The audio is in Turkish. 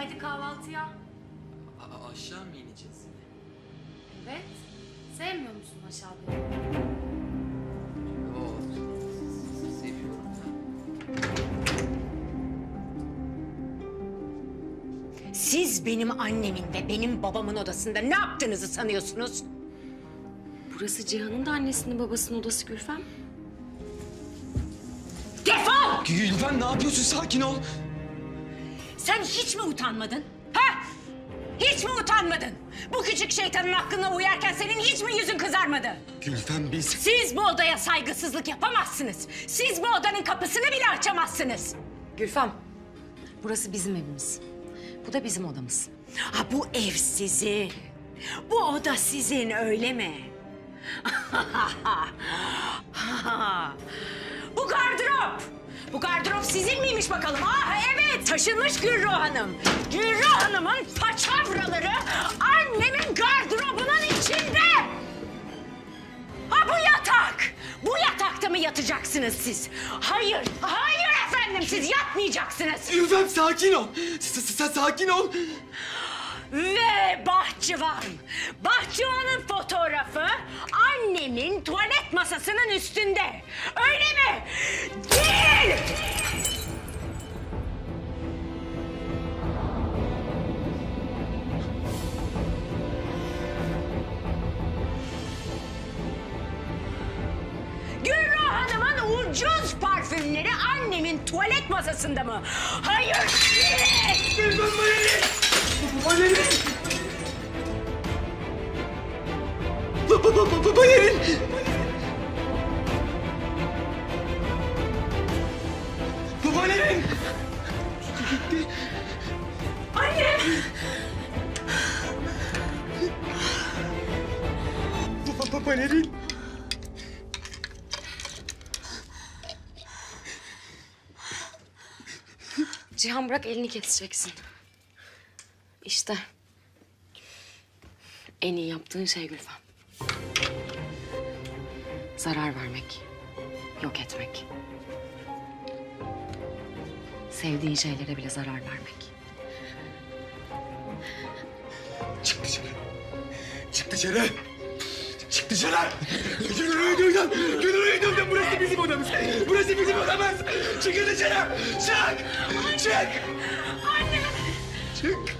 Hadi kahvaltıya. Aşağı mı ineceğiz yine? Evet. Sevmiyor musun aşağıda? Yok. Seviyorum da. Siz benim annemin ve benim babamın odasında ne yaptığınızı sanıyorsunuz? Burası Cihan'ın da annesinin babasının odası Gülfem. Defol! Gülfem ne yapıyorsun? Sakin ol. Sen hiç mi utanmadın? Ha? Hiç mi utanmadın? Bu küçük şeytanın aklına uyarken senin hiç mi yüzün kızarmadı? Gülfem biz... Siz bu odaya saygısızlık yapamazsınız. Siz bu odanın kapısını bile açamazsınız. Gülfem, burası bizim evimiz. Bu da bizim odamız. Ha, bu ev sizin. Bu oda sizin, öyle mi? Bu gardırop. Bu gardırop sizin miymiş bakalım? Ah evet, taşınmış Gülruh Hanım. Gülruh Hanım'ın paçavraları annemin gardırobunun içinde. Ha, bu yatak. Bu yatakta mı yatacaksınız siz? Hayır, hayır efendim, siz yatmayacaksınız. Gülfem sakin ol. Sakin ol. Ve bahçıvan. Bahçıvanın fotoğrafı annemin tuvalet masasının üstünde. Öyle mi? Değil! Gülruh Hanım'ın ucuz parfümleri annemin tuvalet masasında mı? Hayır! Değil! Gülfem Valerin! Valerin! Valerin! Valerin! Gitti. Annem! Valerin! Cihan bırak, elini keseceksin. İşte. En iyi yaptığın şey Gülfem. Zarar vermek. Yok etmek. Sevdiğin şeylere bile zarar vermek. Çık dışarı. Çık dışarı. Çık dışarı. Gülürüydüm. Gülürüydüm. Burası bizim odamız. Burası bizim odamız. Çıkın dışarı. Çık. Çık. Anne! Çık.